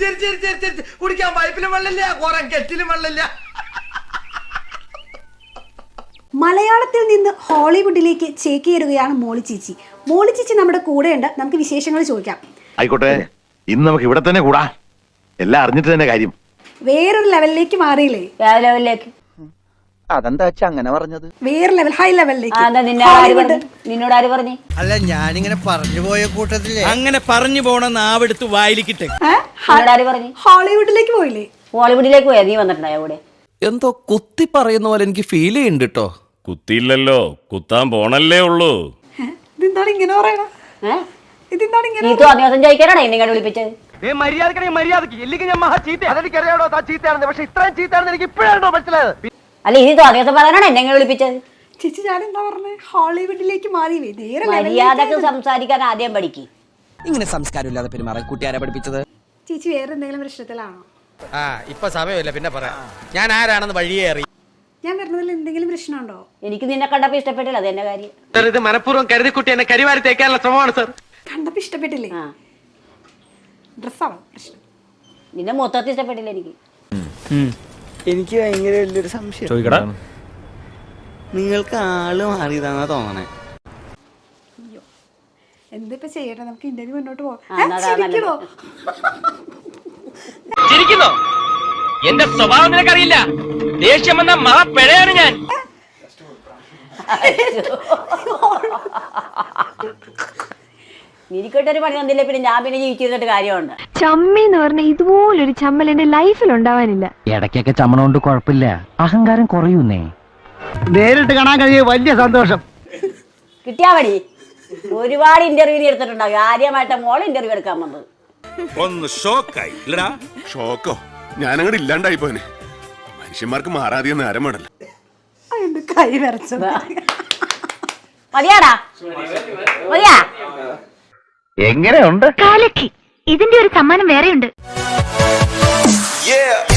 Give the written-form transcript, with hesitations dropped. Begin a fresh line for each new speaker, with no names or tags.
കുടിക്കാൻ പൈപ്പിലും വെള്ളമില്ല, കുറെ കെറ്റിലും വെള്ളമില്ല.
മലയാളത്തിൽ നിന്ന് ഹോളിവുഡിലേക്ക് ചേക്കേറുകയാണ് മോളി ചേച്ചി. മോളി ചേച്ചി നമ്മുടെ കൂടെയുണ്ട്. നമുക്ക് വിശേഷങ്ങൾ ചോദിക്കാം.
ആയിക്കോട്ടെ, ഇന്ന് നമുക്ക് ഇവിടെ തന്നെ കൂടാ. എല്ലാം അറിഞ്ഞിട്ട് തന്നെ കാര്യം.
വേറൊരു ലെവലിലേക്ക് മാറിയില്ലേ?
ലെവലിലേക്ക്
അതെന്താ വെച്ചാ അങ്ങനെ പറഞ്ഞത്?
വേറെ ലെവൽ, ഹൈ ലെവലിലേക്ക്.
നിന്നോട് ആര് പറഞ്ഞു?
അല്ല, ഞാനിങ്ങനെ പറഞ്ഞു പോയ കൂട്ടത്തില്
അങ്ങനെ പറഞ്ഞു പോണ നാവെടുത്ത് വായിലിക്കിട്ടെ.
ആര് പറഞ്ഞു?
ഹോളിവുഡിലേക്ക് പോയില്ലേ?
ഹോളിവുഡിലേക്ക് പോയാ? നീ വന്നിട്ടുണ്ടായോ കൂടെ?
എന്തോ കുത്തി പറയുന്ന പോലെ എനിക്ക് ഫീൽ ചെയ്യുന്നുണ്ട് കേട്ടോ.
കുത്തിയില്ലല്ലോ, കുത്താൻ പോണല്ലേ ഉള്ളൂ.
ഇതെന്താണ് ഇങ്ങനെ പറയണ? ഇതെന്താണ് ഇങ്ങനെ?
നീ തോന്നിയ ചോദിക്കാനാണ് എന്നെ വിളിപ്പിച്ചത്.
മര്യാദക്ക് ഇല്ലെങ്കിൽ ഞാൻ മഹാ ചീത്ത. അതെനിക്കറിയാടോ, താ ചീത്തയാണെന്ന്. പക്ഷെ ഇത്രയും ചീത്തയാണെന്ന് എനിക്ക് ഇപ്പോഴാണോ മനസ്സിലായത്?
അല്ല, ഇത് തോന്നിയ പറയാനാണ് എന്നെ വിളിപ്പിച്ചത്.
ചേച്ചി ഞാൻ എന്താ പറഞ്ഞേ? ഹോളിവുഡിലേക്ക് മാറിയില്ലേ? നേരെ
മര്യാദക്ക് സംസാരിക്കാൻ ആദ്യം പഠിക്കും.
ഇങ്ങനെ സംസ്കാരമില്ലാതെ പെരുമാറാൻ കുട്ടിയാരെ പഠിപ്പിച്ചത്?
ചേച്ചി വേറെ എന്തെങ്കിലും പ്രശ്നത്തിലാണോ?
ഇപ്പൊ സമയമില്ല, പിന്നെ പറയാം. ഞാൻ ആരാണെന്ന് വഴിയേ അറിയാം.
ഞാൻ വരുന്നതിൽ എന്തെങ്കിലും പ്രശ്നമുണ്ടോ?
എനിക്ക് നിന്നെ കണ്ടപ്പോ ഇഷ്ടപ്പെട്ടില്ല, അത് എന്റെ കാര്യം.
സർ, ഇത് മനഃപൂർവ്വം കരുതിക്കുട്ടി എന്നെ കരിവാരി തേക്കാനുള്ള ശ്രമമാണ് സർ.
കണ്ടപ്പോ ഇഷ്ടപ്പെട്ടില്ലേ? ഡ്രസ്സാണോ പ്രശ്നം?
നിന്നെ മൊത്തത്തിൽ ഇഷ്ടപ്പെട്ടില്ല എനിക്ക്.
എനിക്ക് ഭയങ്കര വലിയൊരു സംശയം. നിങ്ങൾക്ക് ആള് മാറിയതാണെന്നാ തോന്നണേ.
എന്തിപ്പോ ചെയ്യട്ടെ? നമുക്ക് ഇന്റർവ്യൂ മുന്നോട്ട് പോകാം.
ചിരിക്കുന്നോ? എന്റെ സ്വഭാവം നിനക്കറിയില്ല. ദേഷ്യം വന്ന മഹാ പിഴയാണ് ഞാൻ.
എനിക്കൊട്ടൊരു പണി തന്നില്ല, പിന്നെ ഞാൻ പിന്നെ ജീവിച്ചിരുന്നിട്ട് കാര്യമുണ്ട്.
ചമ്മി എന്ന് പറഞ്ഞ ഇതുപോലൊരു ചമ്മൽ എന്റെ ലൈഫിൽ ഉണ്ടാവാനില്ല.
ഇടയ്ക്കൊക്കെ ചമ്മണോണ്ട് കുഴപ്പമില്ല, അഹങ്കാരം കുറയുന്നേ.
നേരിട്ട് കാണാൻ കഴിഞ്ഞ വലിയ സന്തോഷം.
കിട്ടിയാ മതി. ഒരുപാട് ഇന്റർവ്യൂ എടുത്തിട്ടുണ്ടാവും. ആദ്യമായിട്ട് മോൾ ഇന്റർവ്യൂ എടുക്കാൻ വന്നത്.
ഒന്ന് ഷോക്കായി ഇല്ലടാ.
ഷോക്കോ? ഞാനങ്ങോട്ട് ഇല്ലാണ്ടായി പോനെ. മനുഷ്യന്മാർക്ക് മാറാതെ നേരം വേണല്ലോ.
കൈ വരച്ചത്
മതിയാടാ, മതിയാ.
എങ്ങനെയുണ്ട്?
കാലക്കി ഇതിന്റെ ഒരു സമ്മാനം വേറെയുണ്ട്.